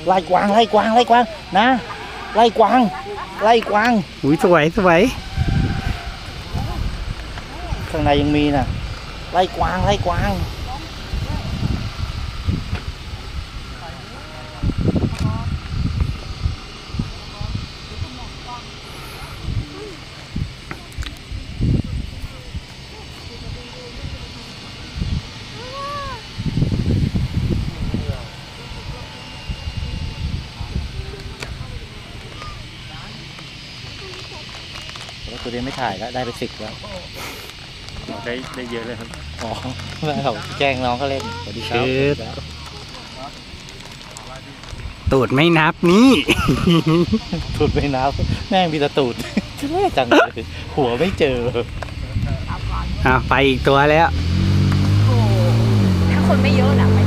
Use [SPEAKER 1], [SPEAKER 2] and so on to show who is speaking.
[SPEAKER 1] ไล่กวางไล่กวางไล่กวางนะไล่กวางไล่กวาง
[SPEAKER 2] อุ้ยสวยสวย
[SPEAKER 1] ข้างในยังมีน่ะไล่กวางไล่กวางแล้วตัวเดียวไม่ถ่ายแล้วได้ไป10แล้ว
[SPEAKER 3] ได้เยอะเลยครับ
[SPEAKER 1] อ๋อไม่เขาแกล้งน้องเขาเล่นสวัสดีครับ
[SPEAKER 2] ตูดไม่นับนี่
[SPEAKER 1] ตูดไม่นับแม่งมีแต่ตูดแย่จังเลยหัวไม่เจอ
[SPEAKER 2] ไปอีกตัวแล้ว
[SPEAKER 4] ถ้าคนไม่เยอะนะไป